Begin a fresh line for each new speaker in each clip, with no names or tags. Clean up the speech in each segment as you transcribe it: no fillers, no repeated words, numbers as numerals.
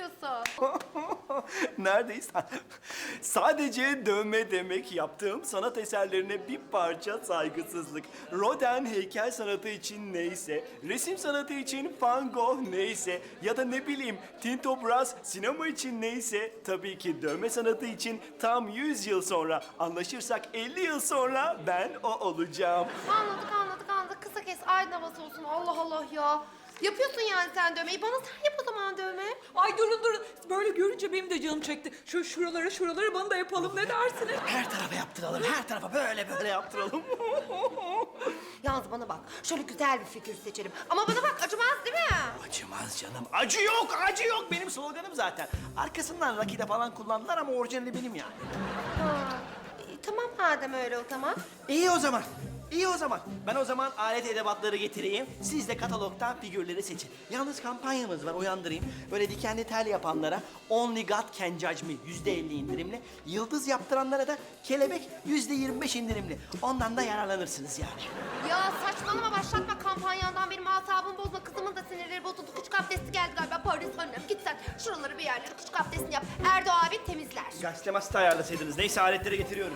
yapıyorsun?
Neredeyiz? Sadece dövme demek yaptığım sanat eserlerine bir parça saygısızlık. Rodin heykel sanatı için neyse, resim sanatı için Van Gogh neyse ya da ne bileyim Tinto Brass sinema için neyse tabii ki dövme sanatı için tam 100 yıl sonra anlaşırsak 50 yıl sonra ben o olacağım.
Anladık. Kısa kes, aydın havası olsun. Allah Allah ya. Yapıyorsun yani sen dövmeyi. Bana sen yap o zaman dövme.
Ay durun. Böyle görünce benim de canım çekti. Şuralara bana da yapalım, ne dersiniz?
Her tarafa yaptıralım, her tarafa böyle yaptıralım.
Yalnız bana bak, şöyle güzel bir figür seçelim. Ama bana bak, acımaz değil mi?
Acımaz canım. Acı yok. Benim sloganım zaten. Arkasından rakide falan kullandılar ama orijinali benim yani.
Ha, tamam madem öyle o zaman.
İyi o zaman. Ben o zaman alet edevatları getireyim. Siz de katalogdan figürleri seçin. Yalnız kampanyamız var, uyandırayım. Böyle dikenli tel yapanlara Only God Can Judge Me %50 indirimli. Yıldız yaptıranlara da kelebek %25 indirimli. Ondan da yararlanırsınız yani.
Ya saçmalama, başlatma kampanyandan, benim asabımı bozma. Kızımın da sinirleri bozuldu. Küçük abdesti geldi galiba. Paris annem, git sen şuraları bir yerleri küçük abdestini yap. Erdo abi temizler.
Gazete masada ayarlasaydınız. Neyse aletleri getiriyorum.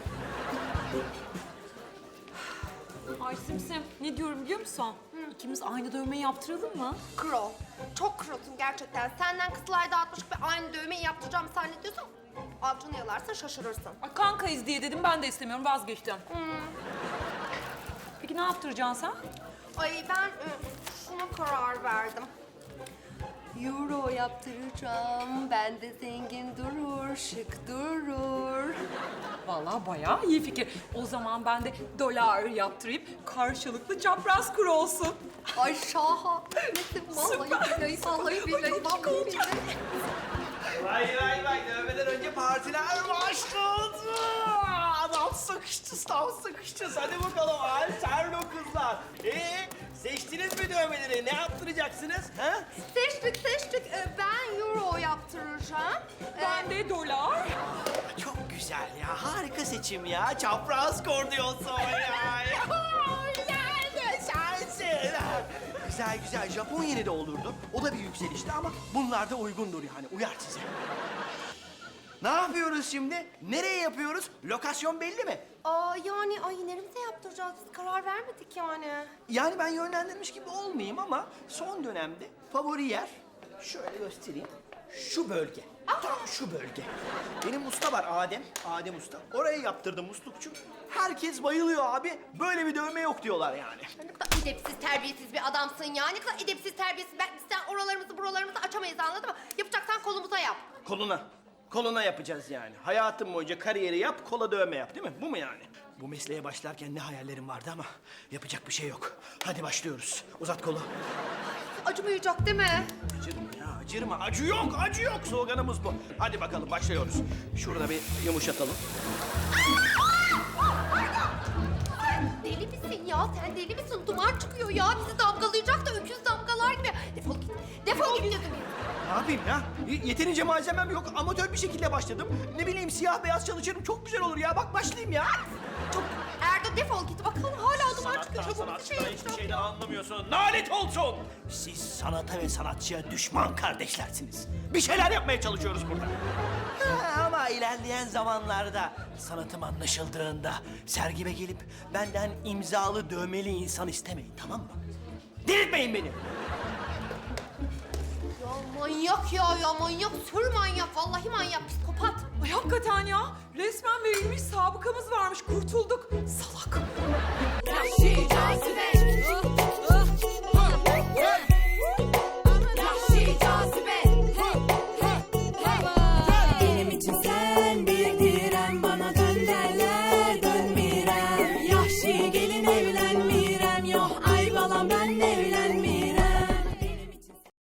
Ay Simsim, ne diyorum biliyor musun? İkimiz aynı dövmeyi yaptıralım mı?
Kro. Çok krosun gerçekten. Senden kızlar dağıtmış ve aynı dövmeyi yaptıracağımı zannediyorsan avcunu yalarsın, şaşırırsın.
Ay kankayız diye dedim, ben de istemiyorum, vazgeçtim. Peki ne yaptıracaksın sen?
Ay ben şuna karar verdim. Euro yaptıracağım. Ben de zengin durur, şık durur.
Vallahi bayağı iyi fikir. O zaman ben de dolar yaptırayım, karşılıklı çapraz kuru olsun.
Ay şaha. Vallahi billahi.
Vay dövmeden önce partiler başladı. Adam sıkıştı. Hadi bakalım Alterno kızlar. Seçtiniz mi dövmeleri? Ne yaptıracaksınız? Ha?
Seçtik. Ben euro yaptıracağım.
Ben de dolar.
Çok güzel ya. Harika seçim ya. Çapraz kordiyosu ya. Güzel. Japon yeni de olurdu. O da bir yükselişti ama bunlar da uygundur yani. Uyar size. Ne yapıyoruz şimdi? Nereye yapıyoruz? Lokasyon belli mi?
Yani neremize yaptıracağız? Biz karar vermedik yani.
Yani ben yönlendirmiş gibi olmayayım ama son dönemde favori yer, şöyle göstereyim, şu bölge. Tam şu bölge. Benim usta var Adem Usta. Oraya yaptırdım muslukçu. Herkes bayılıyor abi. Böyle bir dövme yok diyorlar yani.
Ne kadar edepsiz, terbiyesiz bir adamsın ya. Ne kadar edepsiz, terbiyesiz. Biz sen buralarımızı açamayız, anladın mı? Yapacaksan kolumuza yap.
Koluna yapacağız yani. Hayatım boyunca kariyeri yap, kola dövme yap değil mi? Bu mu yani? Bu mesleğe başlarken ne hayallerim vardı ama yapacak bir şey yok. Hadi başlıyoruz. Uzat kolu.
Acımayacak değil mi?
Acırma. Acı yok. Sloganımız bu. Hadi bakalım başlıyoruz. Şurada bir yumuşatalım.
Deli misin ya? Sen deli misin? Duman çıkıyor ya. Bizi damgalayacak da öküz damgalar gibi. Defol git dedim.
Ne yapayım ya? Yeterince malzemem yok. Amatör bir şekilde başladım. Ne bileyim siyah beyaz çalışırım. Çok güzel olur ya. Bak başlayayım ya.
Erdo defol git. Bakalım hala duman çıkıyor. Çabuk bir şey
Hiçbir
yapacağım.
şeyden anlamıyorsun. Lanet olsun. Siz sanata ve sanatçıya düşman kardeşlersiniz. Bir şeyler yapmaya çalışıyoruz burada. Ama ilerleyen zamanlarda sanatım anlaşıldığında sergime gelip benden imzalı dövmeli insan istemeyin, tamam mı? Delirtmeyin beni.
Ya manyak, sür manyak. Vallahi manyak, psikopat.
Ay hakikaten ya, resmen verilmiş sabıkamız varmış, kurtulduk. Salak.